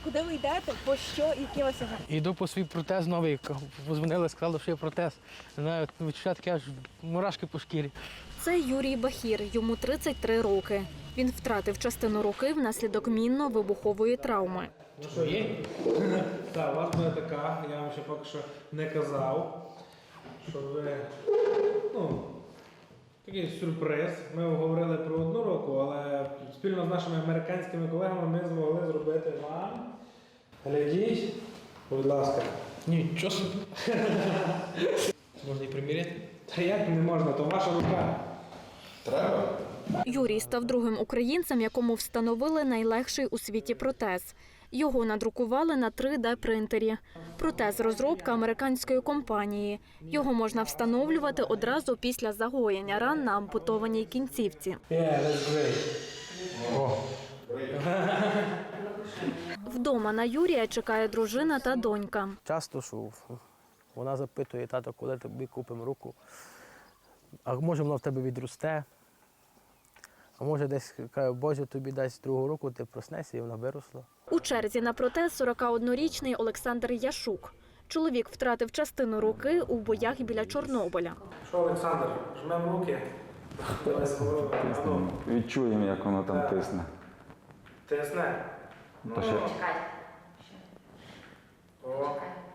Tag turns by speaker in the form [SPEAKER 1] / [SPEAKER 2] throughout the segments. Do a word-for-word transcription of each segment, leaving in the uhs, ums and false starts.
[SPEAKER 1] Куди ви йдете? По що? Які у вас ага?
[SPEAKER 2] Йду по свій протез новий. Позвонили, сказали, що є протез. Не знаю, відчуття таке аж мурашки по шкірі.
[SPEAKER 3] Це Юрій Бахір, йому тридцять три роки. Він втратив частину руки внаслідок мінно-вибухової травми.
[SPEAKER 2] Ну що, є? Так, у вас буде така, я вам ще поки що не казав, що ви, ну, такий сюрприз. Ми говорили про одну руку, але спільно з нашими американськими колегами ми змогли зробити вам. Глядіть, будь ласка. Нічого собі. Можна і приміряти? Та як не можна, то ваша рука.
[SPEAKER 4] Треба?
[SPEAKER 3] Юрій став другим українцем, якому встановили найлегший у світі протез. Його надрукували на три де принтері. Протез – розробка американської компанії. Його можна встановлювати одразу після загоєння ран на ампутованій кінцівці.
[SPEAKER 2] Yeah, that's great. О.
[SPEAKER 3] Вдома на Юрія чекає дружина та донька.
[SPEAKER 2] Часто, що вона запитує, тато, коли тобі купимо руку, а може воно в тебе відросте, а може десь, каже, Боже, тобі дасть другу руку, ти проснешся і вона виросла.
[SPEAKER 3] У черзі на протез сорокаоднорічний Олександр Яшук. Чоловік втратив частину руки у боях біля Чорнобиля.
[SPEAKER 2] Що, Олександр, жмемо руки.
[SPEAKER 4] Відчуємо, як воно там тисне.
[SPEAKER 2] Тисне?
[SPEAKER 4] Та ще...
[SPEAKER 2] О.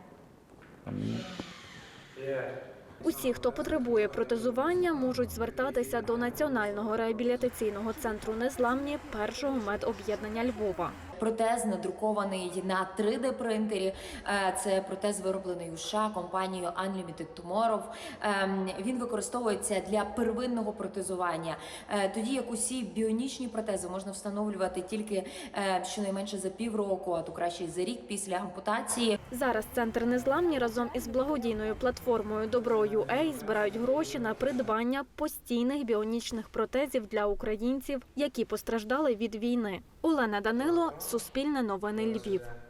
[SPEAKER 2] Є.
[SPEAKER 3] Усі, хто потребує протезування, можуть звертатися до Національного реабілітаційного центру «Незламні» першого медоб'єднання Львова.
[SPEAKER 5] Протез надрукований на три де принтері. Це протез, вироблений у США компанією Unlimited Tomorrow. Він використовується для первинного протезування. Тоді як усі біонічні протези можна встановлювати тільки щонайменше за півроку, а то краще за рік після ампутації.
[SPEAKER 3] Зараз центр «Незламні» разом із благодійною платформою «Добро.ю.А» збирають гроші на придбання постійних біонічних протезів для українців, які постраждали від війни. Олена Данило, Суспільне новини, Львів.